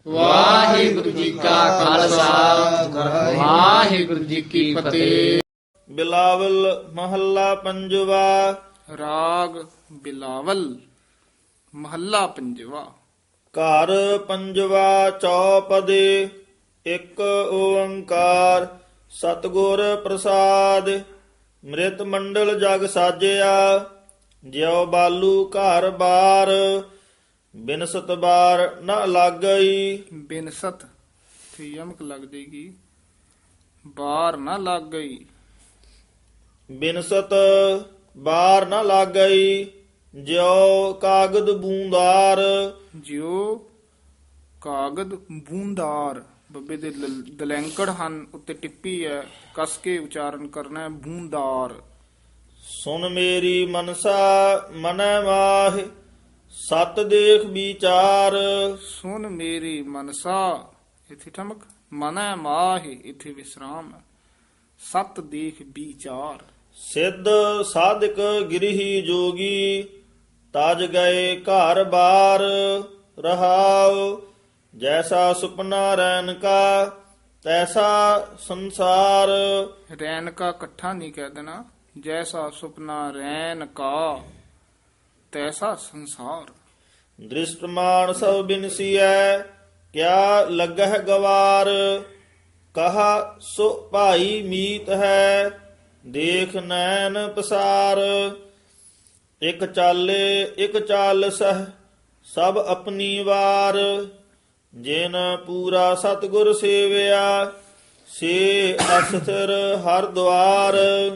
ਵਾਹਿਗੁਰੂ ਜੀ ਕਾ ਖਾਲਸਾ ਵਾਹਿਗੁਰੂ ਜੀ ਕੀ ਫਤਿਹ। ਬਿਲਾਵਲ ਮਹੱਲਾ ਪੰਜਵਾ। ਰਾਗ ਬਿਲਾਵਲ ਮਹੱਲਾ ਪੰਜਵਾ। ਘਰ ਪੰਜਵਾ ਚੌਪਦੇ। ਇੱਕ ਓੰਕਾਰ ਸਤਿਗੁਰ ਪ੍ਰਸਾਦ। ਮ੍ਰਿਤ ਮੰਡਲ ਜਗ ਸਾਜਿਆ ਜਿਉ ਬਾਲੂ ਘਰ ਬਾਰ। ਬਿਨਸਤ ਬਾਰ ਨ ਲੱਗਈ। ਬਿਨਸਤ ਤੇ ਯਮਕ ਲੱਗ ਜਾਏਗੀ, ਬਾਰ ਨਾ ਲੱਗ ਗਈ। ਬਿਨਸਤ ਬਾਰ ਨ ਲੱਗਈ ਜਿਉ ਕਾਗਦ ਬੂੰਦਾਰ। ਜਿਉ ਕਾਗਦ ਬੂੰਦਾਰ, ਬੱਬੇ ਦੇ ਦਲੈਂਕੜ ਹਨ, ਉੱਤੇ ਟਿੱਪੀ ਹੈ, ਕਸ ਕੇ ਉਚਾਰਨ ਕਰਨਾ ਹੈ, ਬੂੰਦਾਰ। ਸੁਨ ਮੇਰੀ ਮਨਸਾ ਮਨੈ ਮਾਹਿ ਸਤ ਦੇਖ ਵਿਚਾਰ। ਸੁਨ ਮੇਰੀ ਮਨਸਾ, ਇਥੇ ਠਮਕ, ਮਨੈ ਮਾਹਿ, ਇਥੇ ਵਿਸਰਾਮ। ਸਤ ਦੇਖ ਵਿਚਾਰ। ਸਿੱਧ ਸਾਧਕ ਗਿਰਹੀ ਜੋਗੀ ਤਜ ਗਏ ਘਰ ਬਾਰ। ਰਹਾਉ ਜੈਸਾ ਸੁਪਨਾ ਰੈਨ ਕਾ ਤੈਸਾ ਸੰਸਾਰ। ਰੈਨ ਕਾ ਇਕੱਠਾ ਨਹੀਂ ਕਹਿ ਦੇਣਾ, ਜੈਸਾ ਸੁਪਨਾ ਰੈਨ ਕਾ ਤੈਸਾ ਸੰਸਾਰ। ਦ੍ਰਿਸ਼ਟਮਾਨ ਸਭ ਬਿਨਸੀਐ ਕਿਆ ਲੱਗਹਿ ਗਵਾਰ। ਕਹਾ ਸੋ ਭਾਈ ਮੀਤ ਹੈ ਦੇਖ ਨੈਣ ਪਸਾਰ। ਇਕ ਚਾਲੇ ਇਕ ਚਾਲ ਸਹ ਸਭ ਆਪਣੀ ਵਾਰ। ਜਿਨ ਪੂਰਾ ਸਤਿਗੁਰ ਸੇਵਿਆ ਸੇ ਅਸਥਿਰ ਹਰ ਦੁਆਰ।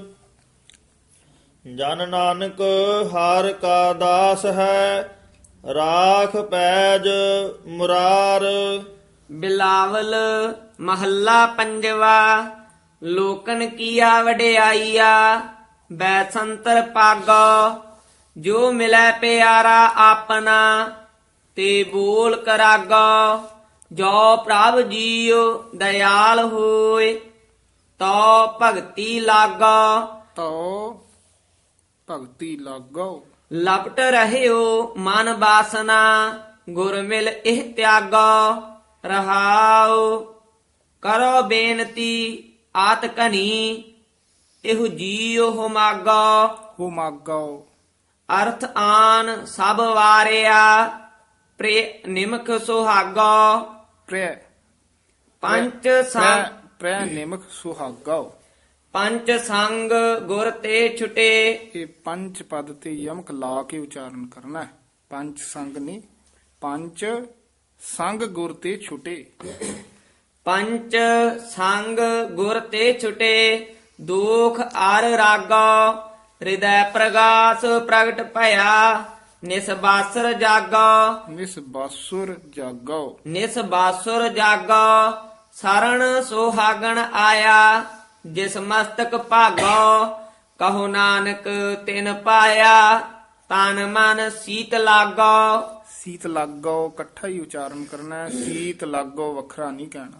ਜਨ ਨਾਨਕ ਹਰ ਕਾ ਦਾਸ ਹੈ ਰਾਖ ਪੈਜ ਮੁਰਾਰ। ਬਿਲਾਵਲ ਮਹੱਲਾ ਪੰਜਵਾ। ਲੋਕਨ ਕੀਆ ਵਡਿਆਈਆ ਬੈਸੰਤਰ ਪਾਗੋ। ਜੋ ਮਿਲੈ ਪਿਆਰਾ ਆਪਣਾ ਤੇ ਬੋਲ ਕਰਾਗੋ। ਜੋ ਪ੍ਰਭ ਜੀਉ ਦਇਆਲ ਹੋਏ ਤੋ ਭਗਤੀ ਲਾਗੋ। ਤੋ ਭਗਤੀ ਲਾਗੋ। ਲਪਟ ਰਹਿਓ ਮਨ ਬਾਸਨਾ ਗੁਰ ਮਿਲ ਇਹ ਤਿਆਗੋ। ਰਹਾਉ ਕਰੋ ਬੇਨਤੀ ਆਤ ਕਨੀ ਇਹੋ ਜੀਉ ਹੁਮਾਗੋ। ਹੋ ਮਾਗੋ। ਅਰਥ ਆਨ ਸਭ ਵਾਰਿਆ ਪ੍ਰੇ ਨਿਮਖ ਸੁਹਾਗੋ। ਪ੍ਰੈ ਪੰਚ ਸੰਗ ਪ੍ਰੈ ਨਿਮਕ ਸੁਹਾਗੋ। ਪੰਚ ਸੰਗ ਗੁਰ ਤੇ ਛੁਟੇ। ਇਹ ਪੰਜ ਪਦ ਤੇ ਯਮਕ ਲਾ ਕੇ ਉਚਾਰਨ ਕਰਨਾ ਹੈ। ਪੰਜ ਸੰਗ ਨਹੀਂ, ਪੰਜ ਸੰਗ ਗੁਰ ਤੇ ਛੁਟੇ। ਪੰਚ ਸੰਗ ਗੁਰ ਤੇ ਛੁਟੇ ਦੁਖ ਅਰ ਰਾਗੋ। ਹਿਰਦੈ ਪ੍ਰਗਾਸ ਪ੍ਰਗਟ ਭਇਆ ਨਿਸਬਾਸਰ ਜਾਗੋ। ਨਿਸ ਬਾਸੁਰ ਜਾਗੋ। ਨਿਸਬਾਸੁਰ ਜਾਗੋ ਸਰਣ ਸੁਹਾਗਣ ਆਇਆ ਜਿਸ ਮਸਤਕ ਭਾਗੋ। ਕਹੋ ਨਾਨਕ ਤਿਨ ਪਾਇਆ ਤਨ ਮਨ ਸੀਤ ਲਾਗੋ। ਸੀਤ ਲਾਗੋ ਇਕੱਠਾ ਹੀ ਉਚਾਰਨ ਕਰਨਾ ਹੈ, ਸੀਤ ਲਾਗੋ ਵੱਖਰਾ ਨਹੀਂ ਕਹਿਣਾ।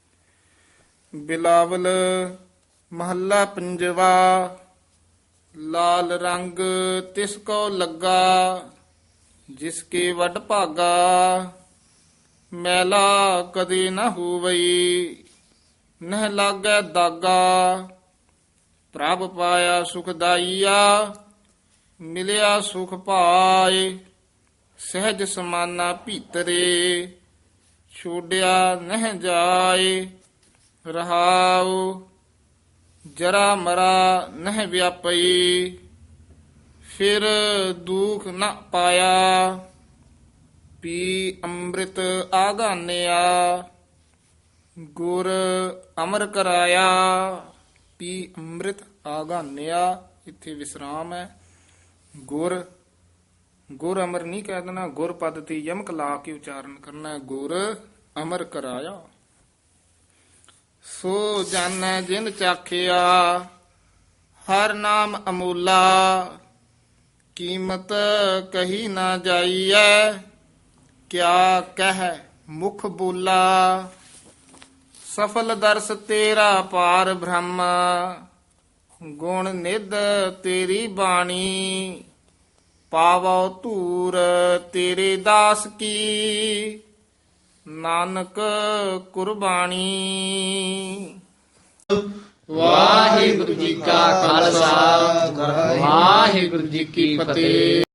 ਬਿਲਾਵਲ ਮਹੱਲਾ ਪੰਜਵਾ। ਲਾਲ ਰੰਗ ਤਿਸ ਕੋ ਲੱਗਾ ਜਿਸ ਕੇ ਵੱਡ ਭਾਗਾ। ਮੈਲਾ ਕਦੇ ਨਾ ਹੋਵਈ ਨਹਿ ਲਾਗੈ ਦਾਗਾ। ਪ੍ਰਭ ਪਾਇਆ ਸੁਖਦਾਈਆ ਮਿਲਿਆ ਸੁਖ ਪਾਏ। ਸਹਿਜ ਸਮਾਨਾ ਭੀਤਰੇ ਛੋੜਿਆ ਨਹਿ ਜਾਏ। ਰਹਾਉ ਜਰਾ ਮਰਾ ਨਹਿ ਵਿਆਪਈ ਫਿਰ ਦੁਖ ਨ ਪਾਇਆ। ਪੀ ਅੰਮ੍ਰਿਤ ਆਗਾਨਿਆ ਗੁਰ ਅਮਰ ਕਰਾਇਆ। ਪੀ ਅੰਮ੍ਰਿਤ ਆਗਾਨਿਆ, ਇੱਥੇ ਵਿਸਰਾਮ ਹੈ। ਗੁਰ ਗੁਰ ਅਮਰ ਨਹੀਂ ਕਹਿ ਦੇਣਾ, ਗੁਰ ਪਦ ਤੇ ਯਮਕ ਲਾ ਕੇ ਉਚਾਰਨ ਕਰਨਾ ਹੈ। ਗੁਰ ਅਮਰ ਕਰਾਇਆ। ਸੋ ਜਾਣੈ ਜਿਨ ਚਾਖਿਆ ਹਰ ਨਾਮ ਅਮੂਲਾ। ਕੀਮਤ ਕਹੀ ਨਾ ਜਾਈਐ ਕਿਆ ਕਹਿ ਮੁਖ ਬੋਲਾ। ਸਫਲ ਦਰਸ ਤੇਰਾ ਪਾਰ ਬ੍ਰਹਮ ਗੁਣ ਨਿਧ ਤੇਰੀ ਬਾਣੀ। ਪਾਵੋ ਧੂਰ ਤੇਰੇ ਦਾਸ ਕੀ ਨਾਨਕ ਕੁਰਬਾਨੀ। ਵਾਹਿਗੁਰੂ ਜੀ ਕਾ ਖਾਲਸਾ ਵਾਹਿਗੁਰੂ ਜੀ ਕੀ ਫਤਿਹ।